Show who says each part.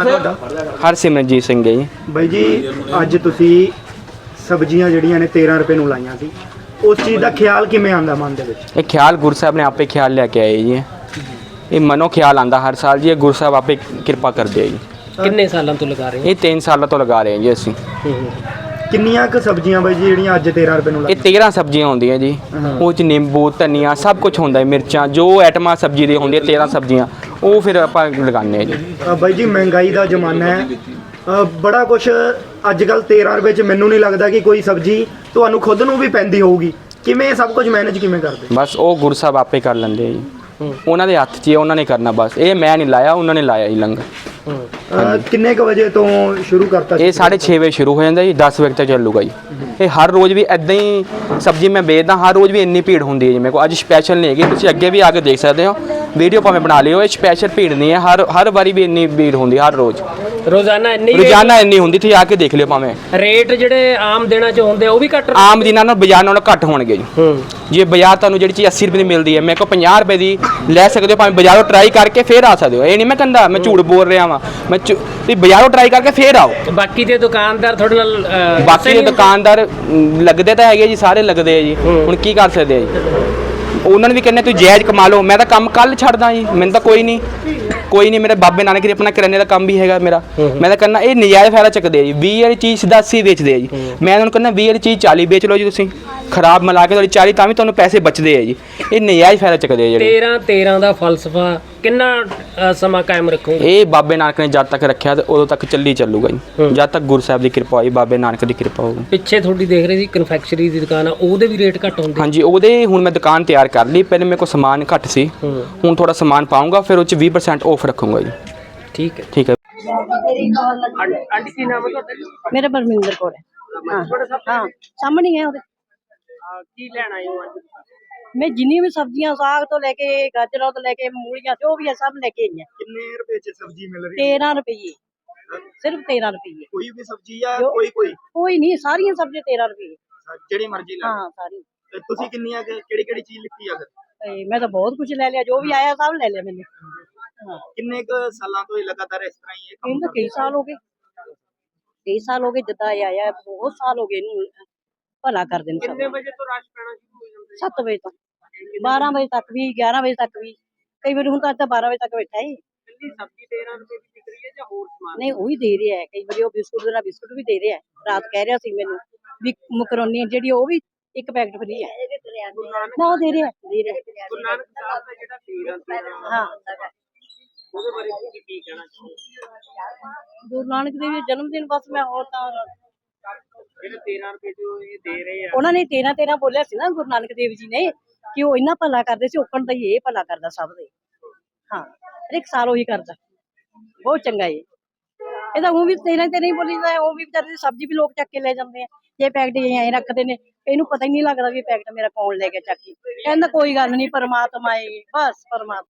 Speaker 1: ਤੁਹਾਡਾ?
Speaker 2: ਹਰਸਿਮਰਨਜੀਤ ਸਿੰਘ ਹੈ ਜੀ।
Speaker 1: ਬਾਈ ਜੀ ਅੱਜ ਤੁਸੀਂ ਸਬਜ਼ੀਆਂ ਜਿਹੜੀਆਂ ਨੇ 13 ਰੁਪਏ ਨੂੰ ਲਾਈਆਂ ਸੀ, ਉਸ ਚੀਜ਼ ਦਾ ਖਿਆਲ ਕਿਵੇਂ ਆਉਂਦਾ ਮਨ ਦੇ ਵਿੱਚ?
Speaker 2: ਇਹ ਖਿਆਲ ਗੁਰੂ ਸਾਹਿਬ ਨੇ ਆਪੇ ਖਿਆਲ ਲੈ ਕੇ ਆਏ ਜੀ। ਇਹ ਮਨੋਂ ਖਿਆਲ ਆਂਦਾ ਹਰ ਸਾਲ ਜੀ। ਇਹ ਗੁਰੂ ਸਾਹਿਬ ਆਪੇ ਕਿਰਪਾ ਕਰਦੇ ਆ ਜੀ।
Speaker 3: ਕਿੰਨੇ ਸਾਲਾਂ ਤੋਂ ਲਗਾ ਰਹੇ ਹੋ?
Speaker 2: ਇਹ 3 ਸਾਲਾਂ ਤੋਂ ਲਗਾ ਰਹੇ ਹਾਂ ਜੀ ਅਸੀਂ।
Speaker 1: ਕਿੰਨੀਆਂ ਕੁ ਸਬਜ਼ੀਆਂ ਬਾਈ ਜੀ ਜਿਹੜੀਆਂ ਅੱਜ 13 ਰੁਪਏ ਨੂੰ
Speaker 2: ਇਹ
Speaker 1: ਲਾਈਆਂ?
Speaker 2: 13 ਸਬਜ਼ੀਆਂ ਹੁੰਦੀਆਂ ਜੀ। ਉਹ ਚ ਨਿੰਬੂ, ਧਨੀਆ ਸਭ ਕੁਝ ਹੁੰਦਾ ਹੈ, ਮਿਰਚਾਂ ਜੋ ਆਈਟਮਾਂ ਸਬਜ਼ੀ ਦੀ ਹੁੰਦੀਆਂ 13 ਸਬਜ਼ੀਆਂ ਉਹ ਫਿਰ ਆਪਾਂ ਲਗਾਉਂਦੇ ਹਾਂ ਜੀ।
Speaker 1: ਬਾਈ ਜੀ ਮਹਿੰਗਾਈ ਦਾ ਜ਼ਮਾਨਾ ਹੈ, ਬੜਾ ਕੁਝ ਅੱਜ ਕੱਲ 13 ਰੁਪਏ 'ਚ ਮੈਨੂੰ ਨਹੀਂ ਲੱਗਦਾ ਕਿ ਕੋਈ ਸਬਜ਼ੀ ਤੁਹਾਨੂੰ ਖੁਦ ਨੂੰ ਵੀ ਪੈਂਦੀ ਹੋਊਗੀ। ਕਿਵੇਂ ਸਭ ਕੁਝ ਮੈਨੇਜ ਕਿਵੇਂ ਕਰਦੇ?
Speaker 2: ਬਸ ਉਹ ਗੁਰੂ ਸਾਹਿਬ ਆਪੇ ਕਰ ਲੈਂਦੇ ਆ ਜੀ। ਉਹਨਾਂ ਦੇ ਹੱਥ 'ਚ ਹੀ ਉਹਨਾਂ ਨੇ ਕਰਨਾ ਬਸ। ਇਹ ਮੈਂ ਨਹੀਂ ਲਾਇਆ, ਉਹਨਾਂ ਨੇ ਲਾਇਆ ਜੀ ਲੰਗਰ।
Speaker 1: ਕਿੰਨੇ ਕੁ ਵਜੇ ਤੋਂ ਸ਼ੁਰੂ ਕਰਤਾ?
Speaker 2: ਇਹ 6:30 ਵਜੇ ਸ਼ੁਰੂ ਹੋ ਜਾਂਦਾ ਜੀ, 10 ਵਜੇ ਤੱਕ ਚੱਲੂਗਾ ਜੀ। ਇਹ ਹਰ ਰੋਜ਼ ਵੀ ਇਦਾਂ ਹੀ ਸਬਜ਼ੀ ਮੈਂ ਵੇਚਦਾ, ਹਰ ਰੋਜ਼ ਵੀ ਇੰਨੀ ਭੀੜ ਹੁੰਦੀ ਹੈ ਜੀ। ਮੇਰੇ ਕੋਲ ਅੱਜ ਸਪੈਸ਼ਲ ਨਹੀਂ ਹੈਗੀ, ਤੁਸੀਂ ਅੱਗੇ ਵੀ ਆ ਕੇ ਦੇਖ ਸਕਦੇ ਹੋ, ਵੀਡੀਓ ਭਾਵੇਂ ਬਣਾ ਲਿਓ। ਇਹ ਸਪੈਸ਼ਲ ਭੀੜ ਨਹੀਂ ਹੈ, ਹਰ ਵਾਰੀ ਵੀ ਇੰਨੀ ਭੀੜ ਹੁੰਦੀ ਹਰ ਰੋਜ਼।
Speaker 3: ਰੋਜ਼ਾਨਾ
Speaker 2: ਇੰਨੀ ਹੁੰਦੀ, ਤੁਸੀਂ ਆ ਕੇ ਦੇਖ ਲਿਓ। ਭਾਵੇਂ
Speaker 3: ਰੇਟ ਜਿਹੜੇ ਆਮ ਦਿਨਾਂ 'ਚ ਹੁੰਦੇ ਉਹ ਵੀ ਘੱਟ
Speaker 2: ਆਮ ਦਿਨਾਂ ਨਾਲ ਬਾਜ਼ਾਰ ਨਾਲੋਂ ਘੱਟ ਹੋਣਗੇ ਜੀ। ਜੇ ਬਾਜ਼ਾਰ ਤੁਹਾਨੂੰ ਜਿਹੜੀ ਚੀਜ਼ 80 ਰੁਪਏ ਦੀ ਮਿਲਦੀ ਹੈ, ਮੇਰੇ ਕੋਲ 50 ਰੁਪਏ ਦੀ ਲੈ ਸਕਦੇ ਹੋ। ਭਾਵੇਂ ਬਾਜ਼ਾਰੋਂ ਟਰਾਈ ਕਰਕੇ ਫਿਰ ਆ ਸਕਦੇ ਹੋ। ਇਹ ਨਹੀਂ ਮੈਂ ਕਹਿੰਦਾ ਮੈਂ ਝੂਠ ਬੋਲ ਰਿਹਾ ਵਾਂ। ਤੁਸੀਂ ਬਾਜ਼ਾਰੋਂ ਟਰਾਈ ਕਰਕੇ ਫਿਰ ਆਓ।
Speaker 3: ਬਾਕੀ ਦੇ ਦੁਕਾਨਦਾਰ ਤੁਹਾਡੇ ਨਾਲ
Speaker 2: ਬਾਕੀ ਦੇ ਦੁਕਾਨਦਾਰ ਲੱਗਦੇ ਤਾਂ ਹੈਗੇ ਜੀ, ਸਾਰੇ ਲੱਗਦੇ ਆ ਜੀ। ਹੁਣ ਕੀ ਕਰ ਸਕਦੇ ਆ ਜੀ? ਉਹਨਾਂ ਨੂੰ ਵੀ ਕਹਿੰਦੇ ਤੁਸੀਂ ਜਾਇਜ਼ ਕਮਾ ਲਓ। ਮੈਂ ਤਾਂ ਕੰਮ ਕੱਲ ਛੱਡਦਾ ਜੀ, ਮੈਨੂੰ ਤਾਂ ਕੋਈ ਨਹੀਂ। ਮੇਰੇ ਬਾਬੇ ਨਾਨਕ ਦੇ ਆਪਣਾ ਕਰਿਆਨੇ ਦਾ ਕੰਮ ਵੀ ਹੈਗਾ ਮੇਰਾ। ਮੈਂ ਤਾਂ ਕਹਿੰਦਾ ਇਹ ਨਜਾਇਜ਼ ਫਾਇਦਾ ਚੱਕਦੇ ਆ ਜੀ। 20 ਵਾਲੀ ਚੀਜ਼ ਸਿੱਧਾ 80 ਵੇਚਦੇ ਆ ਜੀ। ਮੈਂ ਉਹਨਾਂ ਨੂੰ ਕਹਿੰਦਾ 20 ਵਾਲੀ ਚੀਜ਼ 40 ਵੇਚ ਲਓ ਜੀ ਤੁਸੀਂ, ਖਰਾਬ ਮਿਲਾ ਕੇ ਤੁਹਾਡੀ 40 ਤਾਂ ਵੀ ਤੁਹਾਨੂੰ ਪੈਸੇ ਬਚਦੇ ਆ ਜੀ। ਇਹ ਨਜਾਇਜ਼ ਫਾਇਦਾ ਚੱਕਦੇ ਆ ਜਿਹੜੇ।
Speaker 3: 13 ਦਾ ਫਲਸਫਾ ਕਿੰਨਾ ਸਮਾਂ ਕਾਇਮ ਰੱਖੋਗੇ?
Speaker 2: ਇਹ ਬਾਬੇ ਨਾਨਕ ਨੇ ਜਦ ਤੱਕ ਰੱਖਿਆ ਤੇ ਉਦੋਂ ਤੱਕ ਚੱਲੀ ਚੱਲੂਗਾ ਜੀ, ਜਦ ਤੱਕ ਗੁਰੂ ਸਾਹਿਬ ਦੀ ਕਿਰਪਾ ਹੋਈ, ਬਾਬੇ ਨਾਨਕ ਦੀ ਕਿਰਪਾ ਹੋਊਗੀ।
Speaker 3: ਪਿੱਛੇ ਤੁਹਾਡੀ ਦੇਖ ਰਹੇ ਸੀ ਕਨਫੈਕਸ਼ਨਰੀ ਦੀ ਦੁਕਾਨ ਆ, ਉਹਦੇ ਵੀ ਰੇਟ ਘੱਟ ਹੁੰਦੇ?
Speaker 2: ਹਾਂਜੀ, ਉਹਦੇ ਹੁਣ ਮੈਂ ਦੁਕਾਨ ਤਿਆਰ ਕਰ ਲਈ। ਪਹਿਲੇ ਮੇਰੇ ਕੋਲ ਸਮਾਨ ਘੱਟ ਸੀ, ਹੁਣ ਥੋੜਾ ਸਮਾਨ ਪਾਉਂਗਾ, ਫਿਰ ਉਹ 'ਚ 20% ਆਫ ਰੱਖੂੰਗਾ ਜੀ।
Speaker 3: ਠੀਕ ਹੈ।
Speaker 2: ਠੀਕ ਹੈ।
Speaker 3: ਆਂਟੀ ਕੀ ਨਾਮ ਹੈ ਤੁਹਾਡਾ?
Speaker 4: ਮੇਰਾ ਬਰਮਿੰਦਰ ਕੌਰ ਹੈ। ਹਾਂ ਸਾਹਮਣੇ ਹੀ ਹੈ ਉਹਦੇ।
Speaker 3: ਕੀ ਲੈਣਾ ਹੈ ਅੱਜ?
Speaker 4: ਮੈਂ ਜਿੰਨੀ ਵੀ ਸਬਜ਼ੀਆਂ, ਸਾਗ ਤੋਂ ਲੈ ਕੇ ਗਾਜਰਾਂ ਤੋਂ ਲੈ ਕੇ ਮੂਲੀਆਂ ਜੋ ਵੀ ਹੈ ਸਭ ਲੈ ਕੇ ਆਈ ਹਾਂ।
Speaker 1: ਕਿੰਨੇ ਰੁਪਏ 'ਚ ਸਬਜ਼ੀ ਮਿਲ ਰਹੀ ਹੈ?
Speaker 4: 13 ਰੁਪਏ, ਸਿਰਫ 13 ਰੁਪਏ।
Speaker 1: ਕੋਈ ਵੀ ਸਬਜ਼ੀ ਆ? ਕੋਈ
Speaker 4: ਨਹੀਂ, ਸਾਰੀਆਂ ਸਬਜ਼ੀਆਂ 13 ਰੁਪਏ।
Speaker 1: ਜਿਹੜੀ ਮਰਜ਼ੀ ਲੈ
Speaker 4: ਹਾਂ ਸਾਰੀ।
Speaker 1: ਤੇ ਤੁਸੀਂ ਕਿੰਨੀਆਂ ਕਿਹੜੀ ਚੀਜ਼ ਲਿੱਤੀ ਆ ਫਿਰ?
Speaker 4: ਮੈਂ ਤਾਂ ਬਹੁਤ ਕੁਝ ਲੈ ਲਿਆ, ਜੋ ਵੀ ਆਇਆ ਸਭ ਲੈ ਲਿਆ ਮੈंने। ਹਾਂ,
Speaker 1: ਕਿੰਨੇ ਕੁ ਸਾਲਾਂ ਤੋਂ ਇਹ ਲਗਾਤਾਰ ਇਸ ਤਰ੍ਹਾਂ ਹੀ
Speaker 4: ਇਹਨੂੰ ਤਾਂ ਕਈ ਸਾਲ ਹੋ ਗਏ। ਜਿੱਦਾਂ ਇਹ ਆਇਆ ਬਹੁਤ ਸਾਲ ਹੋ ਗਏ ਇਹਨੂੰ ਭਲਾ ਕਰ ਦੇਣ।
Speaker 3: ਕਿੰਨੇ ਵਜੇ ਤੋਂ ਰਸ਼ ਪੈਣਾ ਸ਼ੁਰੂ ਹੋ ਜਾਂਦਾ?
Speaker 4: 7 ਵਜੇ ਤੋਂ 12 ਵਜੇ ਤੱਕ ਵੀ, 11 ਵਜੇ ਤੱਕ ਵੀ, ਕਈ ਵਾਰੀ ਹੁਣ ਤਾਂ 12 ਵਜੇ ਤੱਕ ਬੈਠਾ ਹੈ।
Speaker 3: ਕਿੰਨੀ ਸਬਜ਼ੀ 13 ਰੁਪਏ ਦੀ ਵਿਕ ਰਹੀ ਹੈ ਜਾਂ ਹੋਰ ਸਮਾਨ?
Speaker 4: ਨਹੀਂ, ਉਹ ਵੀ ਦੇ ਰਿਹਾ ਹੈ। ਕਈ ਵਾਰੀ ਉਹ ਬਿਸਕੁਟ ਦੇ ਨਾਲ ਬਿਸਕੁਟ ਵੀ ਦੇ ਰਿਹਾ ਹੈ। ਰਾਤ ਕਹਿ ਰਿਹਾ ਸੀ ਮੈਨੂੰ ਵੀ ਮਕਰੋਨੀ ਜਿਹੜੀ ਉਹ ਵੀ ਇੱਕ ਪੈਕਟ ਫਰੀ ਹੈ ਨਾ, ਉਹ ਦੇ ਰਿਹਾ।
Speaker 3: ਗੁਰੂ ਨਾਨਕ ਸਾਹਿਬ ਦਾ ਜਿਹੜਾ 13
Speaker 4: ਹਾਂ,
Speaker 3: ਉਹਦੇ ਬਾਰੇ ਤੁਸੀਂ ਕੀ ਕਹਿਣਾ ਚਾਹੋਗੇ?
Speaker 4: ਗੁਰੂ ਨਾਨਕ ਦੇਵ ਜੀ ਦਾ ਜਨਮ ਦਿਨ। ਬਸ ਮੈਂ ਹੋਰ ਤਾਂ
Speaker 3: ਜਿਹੜੇ 13 ਰੁਪਏ ਜੋ ਇਹ ਦੇ ਰਹੇ ਆ,
Speaker 4: ਉਹਨਾਂ ਨੇ 13 ਬੋਲਿਆ ਸੀ ਨਾ ਗੁਰੂ ਨਾਨਕ ਦੇਵ ਜੀ ਨੇ, ਕਿ ਉਹ ਇੰਨਾ ਭਲਾ ਕਰਦੇ ਸੀ, ਉਕਣ ਦਾ ਹੀ ਇਹ ਭਲਾ ਕਰਦਾ ਸਭ ਦੇ। ਹਾਂ, ਹਰ ਇੱਕ ਸਾਲ ਉਹੀ ਕਰਦਾ, ਬਹੁਤ ਚੰਗਾ ਇਹ। ਇਹਦਾ ਉਹ ਵੀ 13 ਨਹੀਂ ਬੋਲੀਦਾ, ਉਹ ਵੀ ਵਿਚਾਰੇ ਸਬਜ਼ੀ ਵੀ ਲੋਕ ਚੱਕ ਕੇ ਲੈ ਜਾਂਦੇ ਆ। ਇਹ ਪੈਕਟ ਐਂ ਰੱਖਦੇ ਨੇ, ਇਹਨੂੰ ਪਤਾ ਹੀ ਨਹੀਂ ਲੱਗਦਾ ਵੀ ਪੈਕਟ ਮੇਰਾ ਕੌਣ ਲੈ ਕੇ ਚੱਕੀ। ਕਹਿੰਦਾ ਕੋਈ ਗੱਲ ਨਹੀਂ, ਪਰਮਾਤਮਾ ਹੈ, ਬਸ ਪਰਮਾਤਮਾ।